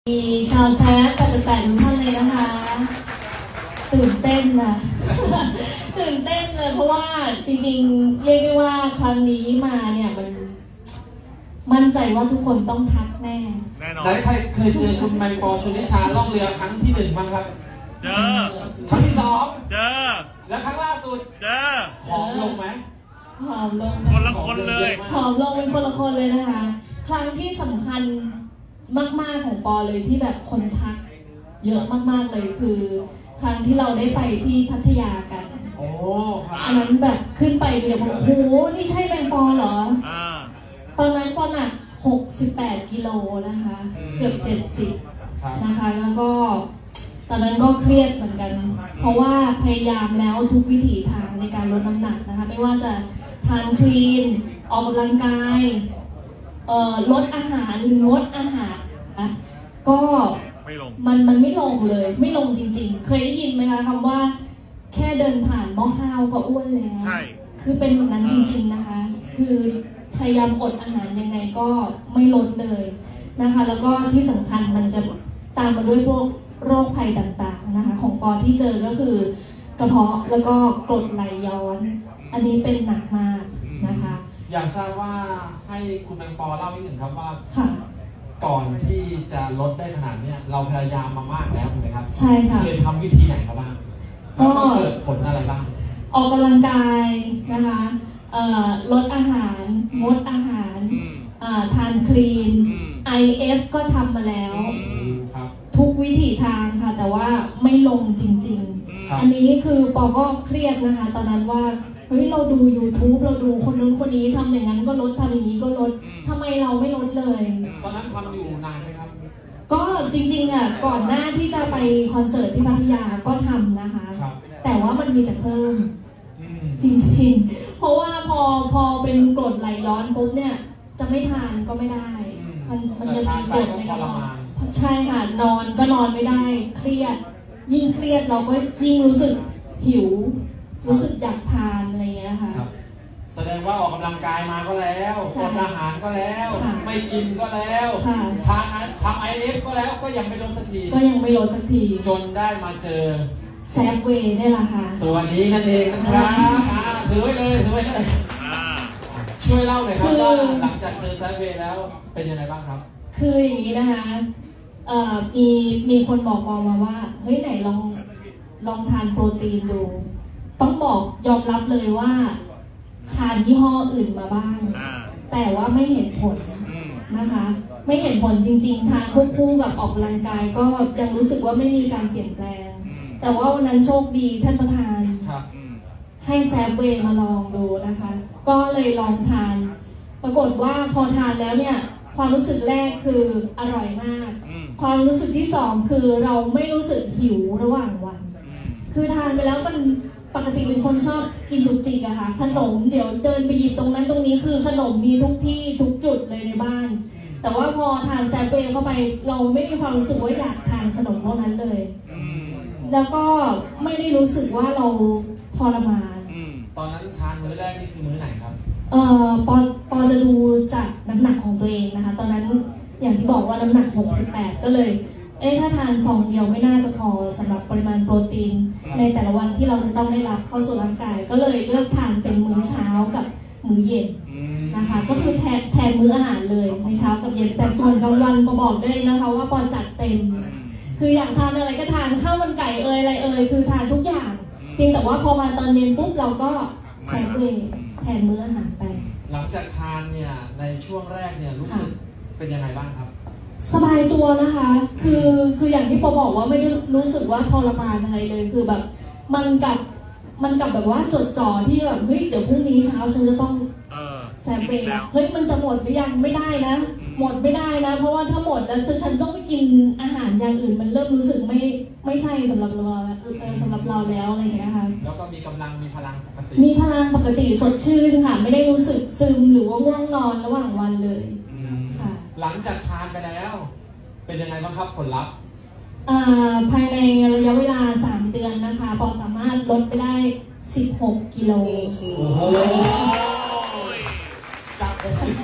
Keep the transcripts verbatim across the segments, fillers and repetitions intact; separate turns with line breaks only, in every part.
มีชาวแซฟแปดแปดทุกท่านเลยนะคะตื่นเต้นนะ ตื่นเต้นเลยเพราะว่าจริงๆเรียกได้ว่าครั้งนี้มาเนี่ยมันมั่นใจว่าทุกคนต้องทักแน่
แน่นอน
ไหนใครเคยเจอคุณแมงปอชนิชาล่องเรือครั้งที่หนึ่งบ้างครับ
เจอ
ครั้งที่สอง
เจอ
แล้วครั้งล่าสุด
เจอ
ผอมลงไหม
ผอมลง
คนละคนเลย
ผอมลงเป็นคนละคนเลยนะคะครั้งที่สำคัญมากๆของปอเลยที่แบบคนทักเยอะมากๆเลยคือครั้งที่เราได้ไปที่พัทยากัน
โอ้
อันนั้นแบบขึ้นไปเดียวโอ้โหนี่ใช่แมงปอเหรอตอนนั้นปอหนักหกสิบแปดกิโลนะคะเกือบเจ็ดสิบนะคะแล้วก็ตอนนั้นก็เครียดเหมือนกันเพราะว่าพยายามแล้วทุกวิถีทางในการลดน้ำหนักนะคะไม่ว่าจะทานคลีนออกกำลังกายเอ่อลดอาหารหรืองดอาหารนะก็มันมันไม่ลงเลยไม่ลงจริงๆเคยได้ยินไหมคะคำว่าแค่เดินผ่านหม้อข้าวก็อ้วนแล้ว
ใช่
คือเป็นแบบนั้นจริงๆนะคะคือพยายามอดอาหารยังไงก็ไม่ลดเลยนะคะแล้วก็ที่สำคัญมันจะตามมาด้วยพวกโรคภัยต่างๆนะคะของปอที่เจอก็คือกระเพาะแล้วก็กรดไหลย้อนอันนี้เป็นหนักมากนะคะ
อยากทราบว่าให้คุณแมงปอเล่านิดหนึ่งครับว่า
ค่ะ
ก่อนที่จะลดได้ขนาดนี้เราพยายามมามากแล้วถูกไหมครับ
ใช่ค่ะ
เคยทำวิธีไหนครับบ้างก็เกิดผลอะไรบ้าง
ออกกำลังกายนะคะลดอาหารงดอาหารทานคลีน ไอ เอฟ ก็ทำมาแล้วทุกวิถีทางค่ะแต่ว่าไม่ลงจริงๆอันนี้คือปอก็เครียดนะคะตอนนั้นว่าเฮ้ยเราดู ยูทูบ เราดูคนนู้นคนนี้ทำอย่างนั้นก็ลดทำอย่างนี้ก็ลดทำไมเราไม่ลดเลย
ตอนนั้นทำอยู่นานไหมครับ
ก็จริงๆอ่ะก่อนหน้าที่จะไปคอนเสิร์ตที่พัทยาก็ทำนะคะแต่ว่ามันมีแต่เพิ่มจริงๆเพราะว่าพอพอเป็นกรดไหลย้อนปุ๊บเนี่ยจะไม่ทานก็ไม่ได้มันมันจะมีกรดในกระเพาะใช่ค่ะนอนก็นอนไม่ได้เครียดยิ่งเครียดเราก็ยิ่งรู้สึกหิวรู้สึกอยากทานอะไรอย่างเงี้ยค่ะ
แสดงว่าออกกำลังกายมาก็แล้วอดอาหารก็แล้วไม่กินก็แล้วทานทำไอเอฟก็แล้วก็ยังไม่ลดสักที
ก็ยังไม่ลดสักที
จนได้มาเจอ
แซฟเวย์นี่แหละค่ะ
ตัวนี้นั่นเองนะครับถือไว้เลยถือไว้เลยช่วยเล่าหน่อยครับว่าหลังจากเจอแซฟเวย์แล้วเป็นยังไงบ้างครับ
คืออย่างนี้นะคะเอ่อมีมีคนบอกปอมาว่าเฮ้ยไหนลองลองทานโปรตีนดูต้องบอกยอมรับเลยว่าทานยี่ห้ออื่นมาบ้างแต่ว่าไม่เห็นผลนะคะไม่เห็นผลจริงๆทานควบคู่กับออกกำลังกายก็ยังรู้สึกว่าไม่มีการเปลี่ยนแปลงแต่ว่าวันนั้นโชคดีท่านประธานให้แซฟเวย์มาลองดูนะคะก็เลยลองทานปรากฏว่าพอทานแล้วเนี่ยความรู้สึกแรกคืออร่อยมากความรู้สึกที่สองคือเราไม่รู้สึกหิวระหว่างวันคือทานไปแล้วมันปกติเป็นคนชอบกินจุกจิกอะค่ะขนมเดี๋ยวเดินไปหยิบตรงนั้นตรงนี้คือขนมมีทุกที่ทุกจุดเลยในบ้านแต่ว่าพอทานแซฟเวย์เข้าไปเราไม่มีความรู้สึกว่าอยากทานขนมพวกนั้นเลยแล้วก็ไม่ได้รู้สึกว่าเราทรมาน
ตอนนั้นทานมื้อแรกนี่คือมื้อไหนครับ
เอ่อปอปอจะดูจากน้ำหนักของตัวเองนะคะตอนนั้นอย่างที่บอกว่าน้ำหนักหกสิบแปดก็เลยเอ๊ะถ้าทานซองเดียวไม่น่าจะพอสำหรับปริมาณโปรตีนในแต่ละวันที่เราจะต้องได้รับเข้าสู่ร่างกายก็เลยเลือกทานเป็นมื้อเช้ากับมื้อเย็นนะคะก็คือแทนแทนมื้ออาหารเลยในเช้ากับเย็นแต่ส่วนกลางวันปอบอกได้เลยนะคะว่าปอจัดเต็มคืออยากทานอะไรก็ทานข้าวมันไก่เอ่ยอะไรเอ่ยคือทานทุกอย่างเพียงแต่ว่าพอมาตอนเย็นปุ๊บเราก็แซฟเวย์แทนมื้ออาหารไป
หลังจากทานเนี่ยในช่วงแรกเนี่ยรู้สึกเป็นยังไงบ้างครับ
สบายตัวนะคะคือคืออย่างที่ปอบอกว่าไม่ได้รู้สึกว่าทรมานอะไรเลยคือแบบมันกับมันกับแบบว่าจดจ่อที่แบบเฮ้ยเดี๋ยวพรุ่งนี้เช้าฉันจะต้องแซฟเวย์เฮ้ยมันจะหมดหรือยังไม่ได้นะหมดไม่ได้นะเพราะว่าถ้าหมดแล้วฉันต้องไปกินอาหารอย่างอื่นมันเริ่มรู้สึกไม่ไม่ใช่สำหรับเราสำหรับเราแล้วอะไรอย่างเงี้ยค่ะ
แล้วก็มีกำลังมีพลังปกติ
มีพลังปกติสดชื่นค่ะไม่ได้รู้สึกซึมหรือว่าง่วงนอนระหว่างวันเลยค่ะ
หลังจากทานไปแล้วเป็นยังไงบ้างครับผลลัพธ์
ภายในระยะเวลาสามเดือนนะคะปอสามารถลดไปได้สิบหกกิโล
จากหกสิบแปดต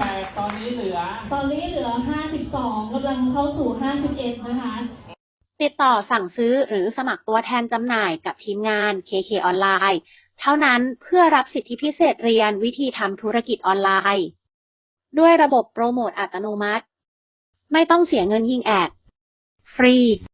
ตอนนี้เหลือ
ตอนนี้เหลือห้าสิบสองกำลังเข้าสู่ห้าสิบเอ็ดนะคะ
ติดต่อสั่งซื้อหรือสมัครตัวแทนจำหน่ายกับทีมงาน เค เค ออนไลน์ เท่านั้นเพื่อรับสิทธิพิเศษเรียนวิธีทำธุรกิจออนไลน์ ด้วยระบบโปรโมทอัตโนมัติ ไม่ต้องเสียเงินยิงแอด ฟรี